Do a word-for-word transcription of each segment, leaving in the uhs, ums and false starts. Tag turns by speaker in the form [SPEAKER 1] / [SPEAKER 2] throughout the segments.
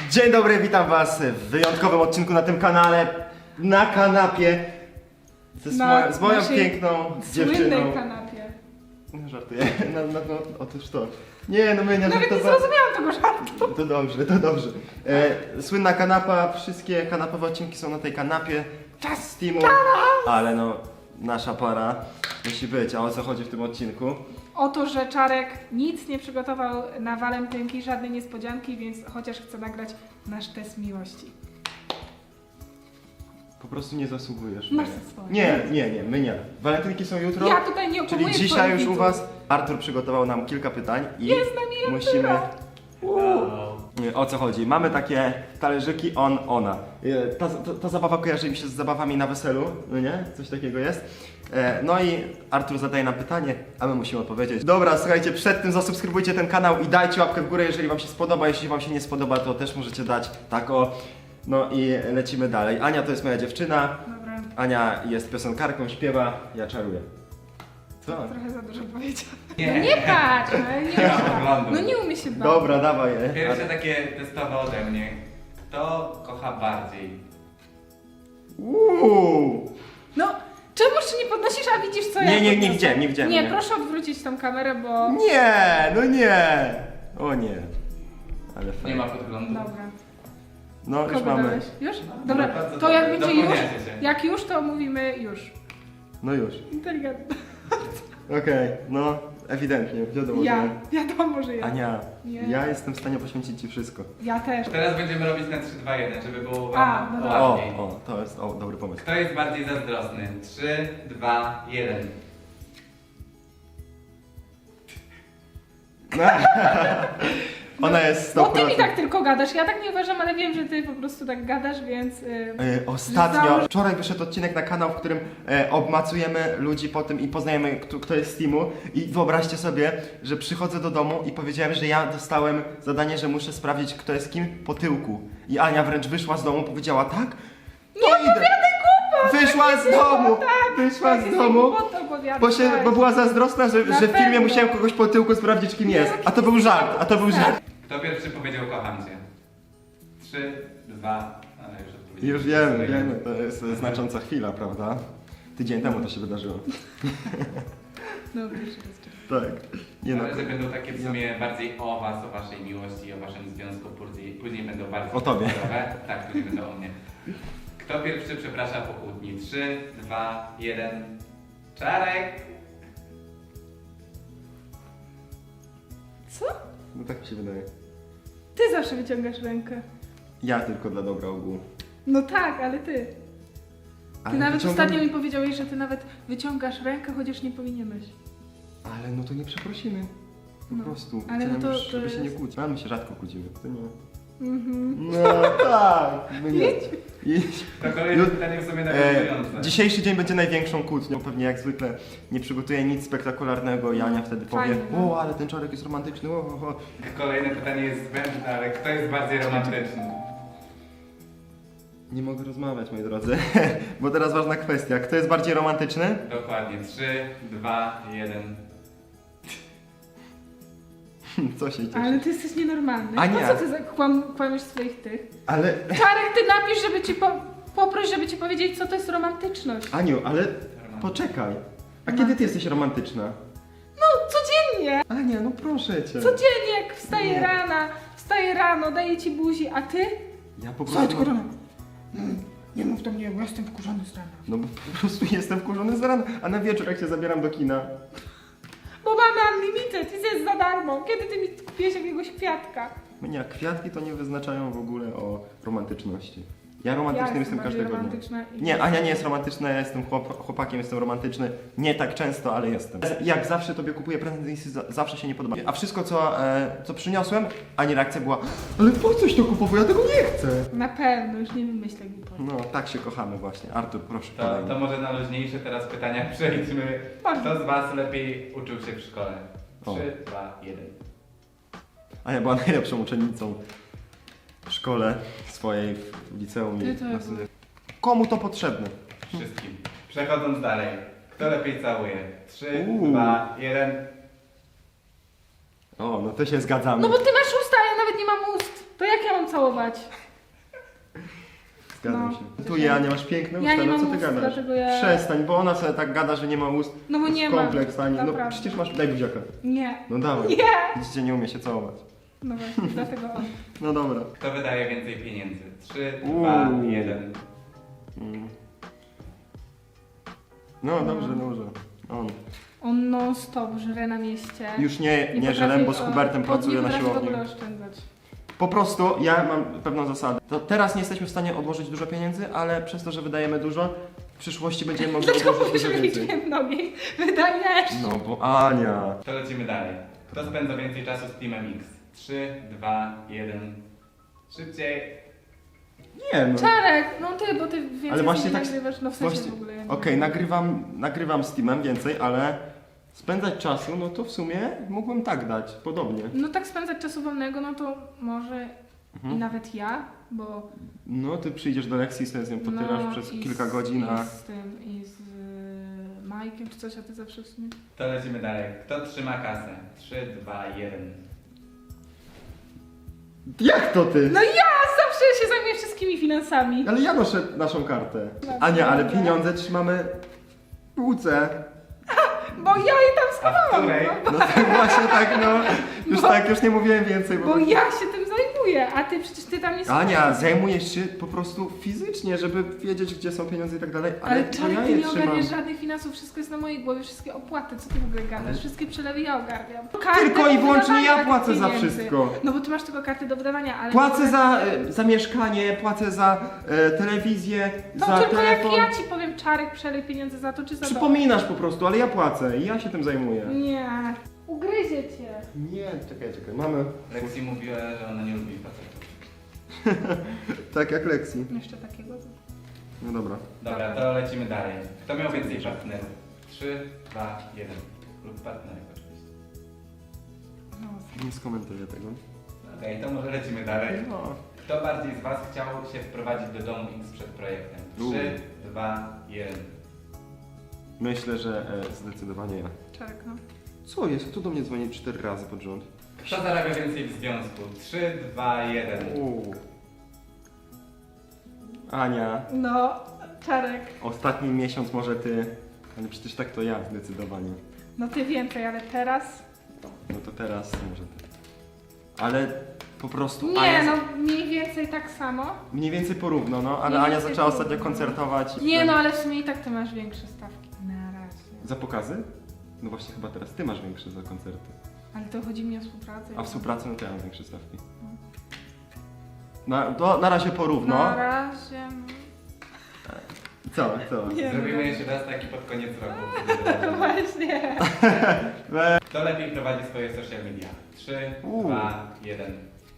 [SPEAKER 1] Dzień dobry, witam was w wyjątkowym odcinku na tym kanale, na kanapie ze z,
[SPEAKER 2] Na
[SPEAKER 1] moją, z moją
[SPEAKER 2] naszej
[SPEAKER 1] piękną dziewczyną.
[SPEAKER 2] Słynnej kanapie.
[SPEAKER 1] No żartuję, no, no, no otóż to. Nie, no my nie
[SPEAKER 2] Nawet nie
[SPEAKER 1] żartowałem.
[SPEAKER 2] zrozumiałam tego żartu.
[SPEAKER 1] To dobrze, to dobrze. E, słynna kanapa, wszystkie kanapowe odcinki są na tej kanapie z teamu, ale no nasza para musi być. A o co chodzi w tym odcinku?
[SPEAKER 2] O to, że Czarek nic nie przygotował na walentynki, żadnej niespodzianki, więc chociaż chce nagrać nasz test miłości.
[SPEAKER 1] Po prostu nie zasługujesz.
[SPEAKER 2] Masz
[SPEAKER 1] Nie.
[SPEAKER 2] swoje.
[SPEAKER 1] Nie, nie, nie, my nie. Walentynki są jutro.
[SPEAKER 2] Ja tutaj nie
[SPEAKER 1] Czyli
[SPEAKER 2] okłamujesz
[SPEAKER 1] dzisiaj
[SPEAKER 2] swoich
[SPEAKER 1] już u
[SPEAKER 2] widzów.
[SPEAKER 1] was Artur przygotował nam kilka pytań i
[SPEAKER 2] Jest z nami
[SPEAKER 1] musimy...
[SPEAKER 2] Artura.
[SPEAKER 1] Nie, o co chodzi? Mamy takie talerzyki on, ona. E, Ta, ta, ta zabawa kojarzy mi się z zabawami na weselu, no nie? Coś takiego jest. E, No i Artur zadaje nam pytanie, a my musimy odpowiedzieć. Dobra, słuchajcie, przed tym zasubskrybujcie ten kanał i dajcie łapkę w górę, jeżeli wam się spodoba. Jeśli wam się nie spodoba, to też możecie dać tak o. No i lecimy dalej. Ania to jest moja dziewczyna.
[SPEAKER 2] Dobra,
[SPEAKER 1] Ania jest piosenkarką, śpiewa, ja czaruję. Co?
[SPEAKER 2] trochę za dużo powiedziałam.
[SPEAKER 3] Nie.
[SPEAKER 2] No nie patrz, no nie,
[SPEAKER 3] Ja
[SPEAKER 2] umie
[SPEAKER 3] oglądam.
[SPEAKER 2] no nie umie się bawić.
[SPEAKER 1] Dobra, dawaj je.
[SPEAKER 3] Pierwsze takie testowe ode mnie. Kto kocha bardziej?
[SPEAKER 1] Uuu.
[SPEAKER 2] No, czemuż nie podnosisz, a widzisz co ja
[SPEAKER 1] Nie, nie, nie
[SPEAKER 2] podniosę?
[SPEAKER 1] widziałem, nie widziałem,
[SPEAKER 2] Nie,
[SPEAKER 1] nie.
[SPEAKER 2] proszę odwrócić tą kamerę, bo...
[SPEAKER 1] Nie, no nie. O nie. Ale
[SPEAKER 3] Nie
[SPEAKER 1] fajnie.
[SPEAKER 3] ma podglądu.
[SPEAKER 2] Dobra.
[SPEAKER 1] No już
[SPEAKER 2] Kogo
[SPEAKER 1] mamy.
[SPEAKER 2] dałeś? Już? Dobra,
[SPEAKER 3] bardzo
[SPEAKER 2] to
[SPEAKER 3] dobrze.
[SPEAKER 2] jak będzie już,
[SPEAKER 3] Dopełniacie się.
[SPEAKER 2] jak już, to mówimy już.
[SPEAKER 1] No już.
[SPEAKER 2] Inteligentne.
[SPEAKER 1] Okej, no ewidentnie, wiadomo,
[SPEAKER 2] Ja,
[SPEAKER 1] że...
[SPEAKER 2] wiadomo, że ja.
[SPEAKER 1] Ania,
[SPEAKER 2] Nie.
[SPEAKER 1] ja jestem w stanie poświęcić ci wszystko.
[SPEAKER 2] Ja też.
[SPEAKER 3] Teraz będziemy robić na trzy, dwa, jeden, żeby było
[SPEAKER 2] A,
[SPEAKER 3] wam
[SPEAKER 2] no dobra.
[SPEAKER 1] O,
[SPEAKER 3] łatwiej.
[SPEAKER 1] o, to jest o, dobry pomysł.
[SPEAKER 3] Kto jest bardziej zazdrosny? trzy, dwa, jeden.
[SPEAKER 1] Ona jest
[SPEAKER 2] Bo
[SPEAKER 1] sto
[SPEAKER 2] ty mi
[SPEAKER 1] procent.
[SPEAKER 2] tak tylko gadasz, ja tak nie uważam, ale wiem, że ty po prostu tak gadasz, więc... Yy,
[SPEAKER 1] E, Ostatnio,
[SPEAKER 2] Założ-
[SPEAKER 1] wczoraj wyszedł odcinek na kanał, w którym e, obmacujemy ludzi po tym i poznajemy, kto, kto jest z teamu. I wyobraźcie sobie, że przychodzę do domu i powiedziałem, że ja dostałem zadanie, że muszę sprawdzić, kto jest kim po tyłku. I Ania wręcz wyszła z domu, powiedziała tak? To
[SPEAKER 2] Nie
[SPEAKER 1] idę.
[SPEAKER 2] opowiadaj głupot!
[SPEAKER 1] Wyszła z domu!
[SPEAKER 2] Tak,
[SPEAKER 1] Wyszła z
[SPEAKER 2] takie
[SPEAKER 1] domu!
[SPEAKER 2] głupoty opowiadasz,
[SPEAKER 1] Bo, się,
[SPEAKER 2] weź.
[SPEAKER 1] bo była zazdrosna, że,
[SPEAKER 2] Na
[SPEAKER 1] że w filmie
[SPEAKER 2] pewno.
[SPEAKER 1] musiałem kogoś po tyłku sprawdzić, kim jest.
[SPEAKER 2] Jaki
[SPEAKER 1] A to był żart, a to był żart.
[SPEAKER 3] Kto pierwszy powiedział kocham cię? trzy, dwa, ale już odpowiedziałem.
[SPEAKER 1] Już wiemy, wiemy, to jest znacząca chwila, prawda? Tydzień temu to się wydarzyło.
[SPEAKER 2] Dobra, jeszcze raz, czekaj.
[SPEAKER 1] Tak. Nie no.
[SPEAKER 3] Ale że będą takie w sumie bardziej o was, o waszej miłości, o waszym związku, później, później będą bardziej
[SPEAKER 1] O tobie.
[SPEAKER 3] zdrowe. Tak, później będą o mnie. Kto pierwszy przeprasza po kłótni? trzy, dwa, jeden. Czarek!
[SPEAKER 2] Co?
[SPEAKER 1] No tak mi się wydaje.
[SPEAKER 2] Ty zawsze wyciągasz rękę.
[SPEAKER 1] Ja tylko dla dobra ogółu.
[SPEAKER 2] No tak, ale ty. Ty
[SPEAKER 1] Ale
[SPEAKER 2] nawet
[SPEAKER 1] wyciągam-
[SPEAKER 2] ostatnio mi powiedziałeś, że ty nawet wyciągasz rękę, chociaż nie powinieneś.
[SPEAKER 1] Ale no to nie przeprosimy. Po
[SPEAKER 2] No,
[SPEAKER 1] prostu.
[SPEAKER 2] ale
[SPEAKER 1] Chciałem
[SPEAKER 2] no to-
[SPEAKER 1] już,
[SPEAKER 2] to
[SPEAKER 1] żeby się nie
[SPEAKER 2] jest-
[SPEAKER 1] kłócić. A my się rzadko kłócimy. To nie.
[SPEAKER 2] Mhm.
[SPEAKER 1] No tak. My nie.
[SPEAKER 2] Idź.
[SPEAKER 1] Idź.
[SPEAKER 3] To kolejne
[SPEAKER 1] Ju-
[SPEAKER 3] pytanie w sumie
[SPEAKER 1] E,
[SPEAKER 3] nawiązujące.
[SPEAKER 1] dzisiejszy dzień będzie największą kłótnią. Pewnie jak zwykle nie przygotuję nic spektakularnego i Ania wtedy powie:
[SPEAKER 2] Fajnie, no.
[SPEAKER 1] o, ale ten czarek jest romantyczny. O, o, o.
[SPEAKER 3] Kolejne pytanie jest zbędne, ale kto jest bardziej romantyczny?
[SPEAKER 1] Nie mogę rozmawiać, moi drodzy. Bo teraz ważna kwestia. Kto jest bardziej romantyczny?
[SPEAKER 3] Dokładnie. trzy, dwa, jeden.
[SPEAKER 1] Co się cieszy?
[SPEAKER 2] Ale ty jesteś nienormalny.
[SPEAKER 1] Ania.
[SPEAKER 2] Po co ty za- kłam, kłamiesz swoich tych?
[SPEAKER 1] Ale...
[SPEAKER 2] Czarek, ty napisz, żeby ci po... poproś, żeby ci powiedzieć, co to jest romantyczność.
[SPEAKER 1] Aniu, ale poczekaj. A kiedy ty jesteś romantyczna?
[SPEAKER 2] No, codziennie.
[SPEAKER 1] Ania, no proszę cię.
[SPEAKER 2] Codziennie, jak wstaję
[SPEAKER 1] Nie.
[SPEAKER 2] rana, wstaję rano, daję ci buzi, a ty?
[SPEAKER 1] Ja po
[SPEAKER 2] Słuchaj,
[SPEAKER 1] prostu...
[SPEAKER 2] korona. Mm, nie mów do mnie, bo jestem wkurzony z rana.
[SPEAKER 1] No bo po prostu jestem wkurzony z rana, a na wieczór jak się zabieram do kina.
[SPEAKER 2] Bo mamy unlimited i jest za darmo. Kiedy ty mi kupiłeś jakiegoś kwiatka?
[SPEAKER 1] Mnie kwiatki to nie wyznaczają w ogóle o romantyczności. Ja romantycznym
[SPEAKER 2] Ja
[SPEAKER 1] jestem
[SPEAKER 2] bardziej
[SPEAKER 1] każdego dnia.
[SPEAKER 2] romantyczna i-
[SPEAKER 1] Nie, Ania nie jest romantyczna, ja jestem chłop, chłopakiem, jestem romantyczny. Nie tak często, ale jestem. Jak zawsze tobie kupuję prezent i za- zawsze się nie podoba. A wszystko co, e, co przyniosłem, Ani reakcja była: ale po coś to kupował, ja tego nie chcę.
[SPEAKER 2] Na pewno, już nie wymyślę głupoty.
[SPEAKER 1] No, tak się kochamy właśnie. Artur, proszę,
[SPEAKER 3] To,
[SPEAKER 1] podaj mi.
[SPEAKER 3] to może na luźniejsze teraz pytania przejdźmy.
[SPEAKER 2] Można.
[SPEAKER 3] Kto z was lepiej uczył się w szkole?
[SPEAKER 1] O.
[SPEAKER 3] trzy, dwa, jeden.
[SPEAKER 1] Ania była najlepszą uczennicą w szkole swojej, w liceum
[SPEAKER 2] Ty
[SPEAKER 1] i
[SPEAKER 2] to
[SPEAKER 1] na
[SPEAKER 2] jak
[SPEAKER 1] studiach. Komu to potrzebne?
[SPEAKER 3] Wszystkim. Przechodząc dalej. Kto lepiej całuje? trzy,
[SPEAKER 1] Uuu.
[SPEAKER 3] dwa, jeden.
[SPEAKER 1] O, no to się zgadzamy.
[SPEAKER 2] No bo ty masz usta, a ja nawet nie mam ust. To jak ja mam całować?
[SPEAKER 1] Zgadzam
[SPEAKER 2] No.
[SPEAKER 1] się. Tu ja nie masz piękne
[SPEAKER 2] Ja
[SPEAKER 1] usta,
[SPEAKER 2] nie
[SPEAKER 1] no co
[SPEAKER 2] mam
[SPEAKER 1] ty
[SPEAKER 2] ust,
[SPEAKER 1] gadasz?
[SPEAKER 2] dlatego ja-
[SPEAKER 1] Przestań, bo ona sobie tak gada, że nie ma ust.
[SPEAKER 2] No bo
[SPEAKER 1] To
[SPEAKER 2] nie
[SPEAKER 1] jest
[SPEAKER 2] mam,
[SPEAKER 1] kompleks, Ani. No
[SPEAKER 2] naprawdę.
[SPEAKER 1] przecież masz, daj buziaka.
[SPEAKER 2] Nie.
[SPEAKER 1] No dawaj.
[SPEAKER 2] Nie!
[SPEAKER 1] Widzicie, nie umie się całować.
[SPEAKER 2] No właśnie, dlatego on.
[SPEAKER 1] No dobra.
[SPEAKER 3] Kto wydaje więcej pieniędzy? trzy,
[SPEAKER 1] Uuu.
[SPEAKER 3] dwa, jeden.
[SPEAKER 1] Mm. No dobrze, dobrze. On.
[SPEAKER 2] On non stop żre na mieście.
[SPEAKER 1] Już nie, nie
[SPEAKER 2] potrafi-
[SPEAKER 1] żelem, bo z
[SPEAKER 2] o,
[SPEAKER 1] Hubertem
[SPEAKER 2] on
[SPEAKER 1] pracuję
[SPEAKER 2] nie
[SPEAKER 1] na
[SPEAKER 2] potrafi w
[SPEAKER 1] siłowni.
[SPEAKER 2] ogóle oszczędzać.
[SPEAKER 1] Po prostu ja mam pewną zasadę. To teraz nie jesteśmy w stanie odłożyć dużo pieniędzy, ale przez to, że wydajemy dużo, w przyszłości będziemy mogli
[SPEAKER 2] Dlaczego
[SPEAKER 1] odłożyć
[SPEAKER 2] mówisz,
[SPEAKER 1] dużo
[SPEAKER 2] że
[SPEAKER 1] więcej.
[SPEAKER 2] liczbie nogi? Wydajesz!
[SPEAKER 1] No bo Ania.
[SPEAKER 3] To lecimy dalej. Kto spędza więcej czasu z Teamem X? trzy, dwa, jeden. Szybciej.
[SPEAKER 1] Nie no.
[SPEAKER 2] Czarek, no ty, bo ty więcej
[SPEAKER 1] Ale właśnie
[SPEAKER 2] nie
[SPEAKER 1] tak-
[SPEAKER 2] nagrywasz, no w sensie
[SPEAKER 1] Właśnie,
[SPEAKER 2] w ogóle. ja nie
[SPEAKER 1] okej,
[SPEAKER 2] wiem.
[SPEAKER 1] nagrywam, nagrywam z Teamem więcej, ale spędzać czasu, no to w sumie mógłbym tak dać, podobnie.
[SPEAKER 2] No tak spędzać czasu wolnego, no to może
[SPEAKER 1] Mhm.
[SPEAKER 2] i nawet ja, bo...
[SPEAKER 1] No ty przyjdziesz do lekcji i sobie z nią potyrasz
[SPEAKER 2] no,
[SPEAKER 1] przez
[SPEAKER 2] i
[SPEAKER 1] kilka
[SPEAKER 2] z,
[SPEAKER 1] godzin, a...
[SPEAKER 2] I z tym, i z y, Majkiem czy coś, a ty zawsze w sumie...
[SPEAKER 3] To lecimy dalej. Kto trzyma kasę? trzy, dwa, jeden.
[SPEAKER 1] Jak to ty?
[SPEAKER 2] No ja zawsze się zajmuję wszystkimi finansami.
[SPEAKER 1] Ale ja noszę naszą kartę.
[SPEAKER 2] Dobrze.
[SPEAKER 1] Ania, ale pieniądze trzymamy w półce.
[SPEAKER 2] Bo ja jej tam
[SPEAKER 3] A w
[SPEAKER 2] schowałam,
[SPEAKER 3] której?
[SPEAKER 2] no.
[SPEAKER 1] No tak właśnie tak, no. Już
[SPEAKER 2] Bo-
[SPEAKER 1] tak, już nie mówiłem więcej, bo...
[SPEAKER 2] Bo ja się tym zajmuję, a ty przecież ty tam nie
[SPEAKER 1] Ania,
[SPEAKER 2] schowałeś.
[SPEAKER 1] zajmujesz się po prostu fizycznie, żeby wiedzieć, gdzie są pieniądze i tak dalej, ale,
[SPEAKER 2] Ale
[SPEAKER 1] to
[SPEAKER 2] Czarek,
[SPEAKER 1] ja
[SPEAKER 2] ty
[SPEAKER 1] je
[SPEAKER 2] nie
[SPEAKER 1] trzymam.
[SPEAKER 2] ogarniasz żadnych finansów, wszystko jest na mojej głowie, wszystkie opłaty, co ty w ogóle gadasz?
[SPEAKER 1] Ale-
[SPEAKER 2] Wszystkie przelewy ja ogarniam.
[SPEAKER 1] Tylko i wyłącznie ja
[SPEAKER 2] Karty do
[SPEAKER 1] płacę za
[SPEAKER 2] pieniędzy.
[SPEAKER 1] wszystko.
[SPEAKER 2] No bo ty masz tylko karty do wydawania, ale...
[SPEAKER 1] Płacę za, e, za mieszkanie, płacę za e, telewizję,
[SPEAKER 2] To
[SPEAKER 1] za
[SPEAKER 2] tylko
[SPEAKER 1] telefon.
[SPEAKER 2] jak ja ci powiem, Czarek, przelej pieniądze za to czy za to.
[SPEAKER 1] Przypominasz po prostu, ale ja płacę i ja się tym zajmuję.
[SPEAKER 2] Nie, ugryzie cię.
[SPEAKER 1] Nie, czekaj, czekaj, mamy...
[SPEAKER 3] Lexi mówiła, że ona nie lubi facetów.
[SPEAKER 1] Tak jak Lexi.
[SPEAKER 2] Jeszcze takiego.
[SPEAKER 1] No dobra.
[SPEAKER 3] Dobra, to lecimy dalej. Kto miał więcej partnerów? trzy, dwa, jeden. Lub partnerek oczywiście.
[SPEAKER 2] No,
[SPEAKER 1] Nie skomentuję tego.
[SPEAKER 3] Okej, to może lecimy dalej.
[SPEAKER 1] No.
[SPEAKER 3] Kto bardziej z Was chciał się wprowadzić do domu X przed projektem? trzy, dwa, jeden.
[SPEAKER 1] Myślę, że e, zdecydowanie ja.
[SPEAKER 2] Czarek, no.
[SPEAKER 1] Co jest? Kto do mnie dzwoni cztery razy pod rząd?
[SPEAKER 3] Kto zarabia więcej w związku? trzy, dwa, jeden.
[SPEAKER 1] Uuu. Ania,
[SPEAKER 2] No, Czarek.
[SPEAKER 1] ostatni miesiąc może ty, ale przecież tak to ja zdecydowanie.
[SPEAKER 2] No ty więcej, ale teraz...
[SPEAKER 1] No to teraz może ty. Ale po prostu
[SPEAKER 2] Nie,
[SPEAKER 1] Ania...
[SPEAKER 2] no mniej więcej tak samo.
[SPEAKER 1] Mniej więcej porówno, no, ale
[SPEAKER 2] Mniej
[SPEAKER 1] Ania
[SPEAKER 2] więcej
[SPEAKER 1] zaczęła
[SPEAKER 2] porówno.
[SPEAKER 1] ostatnio koncertować.
[SPEAKER 2] Nie no, ale w sumie i tak ty masz większe stawki. Na razie.
[SPEAKER 1] Za pokazy? No właśnie chyba teraz ty masz większe za koncerty.
[SPEAKER 2] Ale to chodzi mi o współpracę.
[SPEAKER 1] A w współpracy no to ja mam większe stawki. Na, to na razie porówno.
[SPEAKER 2] Na razie...
[SPEAKER 1] Co, co?
[SPEAKER 2] Nie.
[SPEAKER 3] Zrobimy jeszcze raz taki pod koniec roku.
[SPEAKER 2] No właśnie.
[SPEAKER 1] We...
[SPEAKER 3] Kto lepiej prowadzi swoje social media? trzy,
[SPEAKER 1] Uuu.
[SPEAKER 3] dwa, jeden.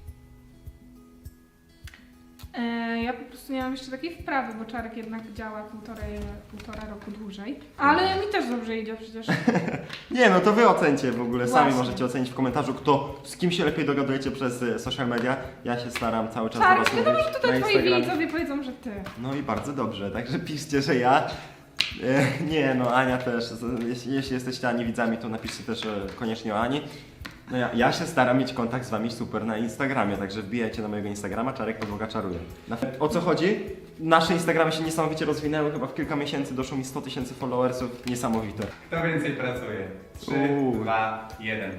[SPEAKER 2] E, ja po prostu nie mam jeszcze takiej wprawy, bo Czarek jednak działa półtorej, półtora roku dłużej. Ale mi też dobrze idzie przecież.
[SPEAKER 1] Nie no to wy ocencie w ogóle, sami
[SPEAKER 2] Właśnie.
[SPEAKER 1] możecie ocenić w komentarzu, kto z kim się lepiej dogadujecie przez e, social media. Ja się staram cały czas do
[SPEAKER 2] Czarek,
[SPEAKER 1] was
[SPEAKER 2] wiadomo,
[SPEAKER 1] mówić
[SPEAKER 2] że
[SPEAKER 1] na
[SPEAKER 2] tutaj twoi
[SPEAKER 1] Instagramie.
[SPEAKER 2] widzowie powiedzą, że ty.
[SPEAKER 1] No i bardzo dobrze, także piszcie, że ja. E, nie no, Ania też. Z- Jeśli, jeśli jesteście Ani widzami, to napiszcie też e, koniecznie o Ani. No ja, ja się staram mieć kontakt z wami super na Instagramie, także wbijajcie na mojego Instagrama, Czarek Podłoga czaruje. Na, o co chodzi? Nasze Instagramy się niesamowicie rozwinęły, chyba w kilka miesięcy doszło mi sto tysięcy followersów, niesamowite.
[SPEAKER 3] Kto więcej pracuje? trzy,
[SPEAKER 1] Uuu.
[SPEAKER 3] dwa, jeden.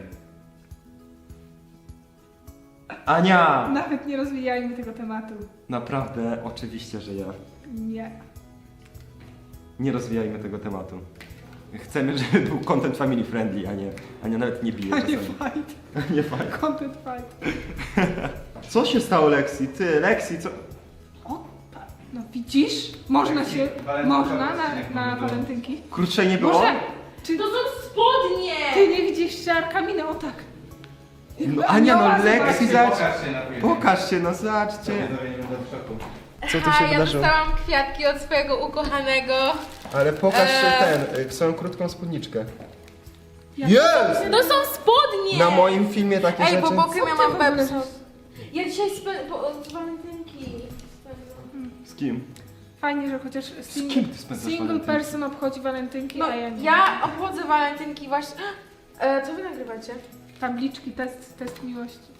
[SPEAKER 1] Ania!
[SPEAKER 2] Nawet nie rozwijajmy tego tematu.
[SPEAKER 1] Naprawdę, oczywiście, że ja.
[SPEAKER 2] Nie.
[SPEAKER 1] Nie rozwijajmy tego tematu. Chcemy, żeby był content family friendly, a nie, a nie nawet nie bije
[SPEAKER 2] A nie
[SPEAKER 1] czasami.
[SPEAKER 2] fight.
[SPEAKER 1] Nie fajnie.
[SPEAKER 2] Content fight.
[SPEAKER 1] Co się stało Lexi? Ty, Lexi, co?
[SPEAKER 2] O, pa- no widzisz? Można
[SPEAKER 3] Lexi,
[SPEAKER 2] się,
[SPEAKER 3] walentynkowy
[SPEAKER 2] można na,
[SPEAKER 3] odcinek
[SPEAKER 2] na
[SPEAKER 3] mamy
[SPEAKER 2] walentynki.
[SPEAKER 1] Krótszej nie było?
[SPEAKER 2] Może, czy
[SPEAKER 4] To są spodnie!
[SPEAKER 2] ty nie widzisz Czarka miny? O tak.
[SPEAKER 1] No Ania, no
[SPEAKER 2] Anioła
[SPEAKER 1] Lexi,
[SPEAKER 2] zobaczy.
[SPEAKER 1] zobacz.
[SPEAKER 3] Pokaż się na filmie.
[SPEAKER 1] Pokaż się, no
[SPEAKER 3] To
[SPEAKER 1] zobaczcie.
[SPEAKER 3] widzowie nie będą w szoku.
[SPEAKER 1] Co tu
[SPEAKER 4] A,
[SPEAKER 1] się
[SPEAKER 4] ja
[SPEAKER 1] wydarzyło?
[SPEAKER 4] dostałam kwiatki od swojego ukochanego.
[SPEAKER 1] Ale pokaż się
[SPEAKER 4] Eee.
[SPEAKER 1] ten, y, swoją krótką spódniczkę.
[SPEAKER 2] Jak
[SPEAKER 1] Jest!
[SPEAKER 4] To są spodnie!
[SPEAKER 1] Na moim filmie takie
[SPEAKER 4] Ej,
[SPEAKER 1] rzeczy.
[SPEAKER 4] bo bokiem ja
[SPEAKER 2] Co ty
[SPEAKER 4] mam
[SPEAKER 2] w ogóle
[SPEAKER 4] bebsą.
[SPEAKER 2] robisz?
[SPEAKER 4] Ja dzisiaj spę... bo z walentynki spędzam.
[SPEAKER 1] Z kim?
[SPEAKER 2] Fajnie, że chociaż
[SPEAKER 1] kim
[SPEAKER 2] single,
[SPEAKER 1] ty spędzasz
[SPEAKER 2] single
[SPEAKER 1] walentynki?
[SPEAKER 2] person obchodzi walentynki,
[SPEAKER 4] No,
[SPEAKER 2] a ja nie.
[SPEAKER 4] ja obchodzę walentynki właśnie... E, co wy nagrywacie?
[SPEAKER 2] Tabliczki, test, test miłości.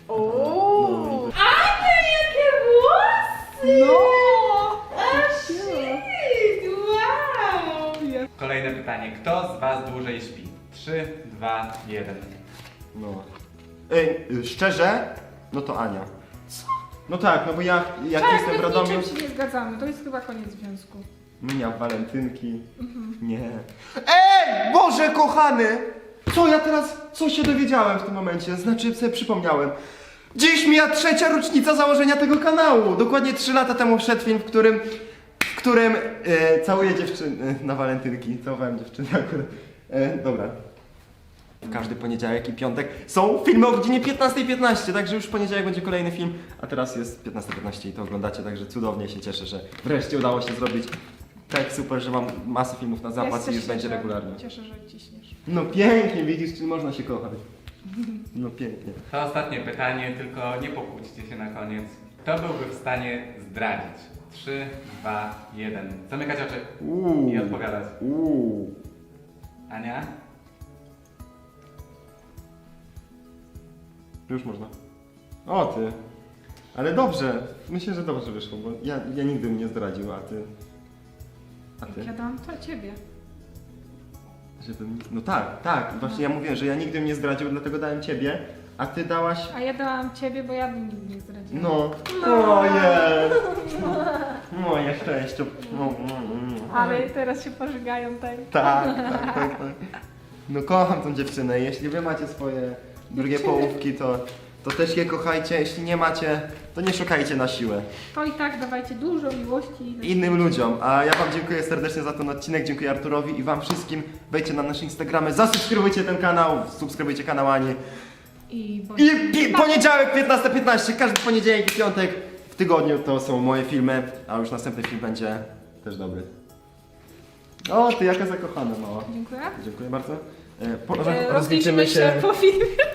[SPEAKER 4] Ooo!
[SPEAKER 1] No.
[SPEAKER 4] Ania, jakie włosy!
[SPEAKER 2] No!
[SPEAKER 4] A shit! Wow!
[SPEAKER 3] Kolejne pytanie. Kto z was dłużej śpi? trzy, dwa, jeden.
[SPEAKER 1] No. Ej, y, szczerze? No to Ania. No tak, no bo ja, jak
[SPEAKER 2] Tak,
[SPEAKER 1] jestem w
[SPEAKER 2] my w
[SPEAKER 1] Radomiu,
[SPEAKER 2] niczym się nie zgadzamy, to jest chyba koniec związku.
[SPEAKER 1] miał walentynki.
[SPEAKER 2] Mhm.
[SPEAKER 1] Nie. Ej, Boże kochany! Co ja teraz, co się dowiedziałem w tym momencie? Znaczy sobie przypomniałem. Dziś mija trzecia rocznica założenia tego kanału. Dokładnie trzy lata temu wszedł film, w którym, w którym e, całuję dziewczyny na walentynki. Całowałem dziewczyny akurat. E, dobra. W każdy poniedziałek i piątek są filmy o godzinie piętnastej piętnaście, także już w poniedziałek będzie kolejny film, a teraz jest piętnasta piętnaście i to oglądacie, także cudownie się cieszę, że wreszcie udało się zrobić. Tak super, że mam masę filmów na zapas
[SPEAKER 2] Ja
[SPEAKER 1] i już
[SPEAKER 2] się
[SPEAKER 1] będzie
[SPEAKER 2] cieszę,
[SPEAKER 1] regularnie.
[SPEAKER 2] Cieszę, że ciśniesz.
[SPEAKER 1] No pięknie, widzisz, czy można się kochać. No pięknie.
[SPEAKER 3] To ostatnie pytanie, tylko nie pokłóćcie się na koniec. Kto byłby w stanie zdradzić? trzy, dwa, jeden. Zamykać oczy
[SPEAKER 1] Uuu.
[SPEAKER 3] i odpowiadać.
[SPEAKER 1] Uuu.
[SPEAKER 3] Ania?
[SPEAKER 1] Już można. O ty. Ale dobrze. Myślę, że dobrze wyszło, bo ja, ja nigdy bym nie zdradził, a ty... A ty?
[SPEAKER 2] Ja dam to ciebie.
[SPEAKER 1] Żebym... No tak, tak. Właśnie ja mówię, że ja nigdy bym nie zdradził, dlatego dałem ciebie, a ty dałaś...
[SPEAKER 2] A ja dałam ciebie, bo ja bym nigdy nie zdradziła.
[SPEAKER 1] No.
[SPEAKER 2] No.
[SPEAKER 1] O jest. Moje szczęście. No, no, no.
[SPEAKER 2] Ale teraz się pożygają tutaj.
[SPEAKER 1] Tak, tak, tak, tak. No kocham tą dziewczynę. Jeśli wy macie swoje drugie połówki, to, to też je kochajcie. Jeśli nie macie, to nie szukajcie na siłę.
[SPEAKER 2] To i tak dawajcie dużo miłości.
[SPEAKER 1] Innym ludziom. A ja wam dziękuję serdecznie za ten odcinek. Dziękuję Arturowi i wam wszystkim. Wejdźcie na nasze Instagramy, zasubskrybujcie ten kanał, subskrybujcie kanał Ani.
[SPEAKER 2] I, bądź...
[SPEAKER 1] I pi- poniedziałek piętnasta piętnaście, każdy poniedziałek i piątek w tygodniu to są moje filmy, a już następny film będzie też dobry. O, ty jaka zakochana mała.
[SPEAKER 2] Dziękuję.
[SPEAKER 1] Dziękuję bardzo. E, po,
[SPEAKER 2] E,
[SPEAKER 1] rozliczymy się.
[SPEAKER 2] po filmie.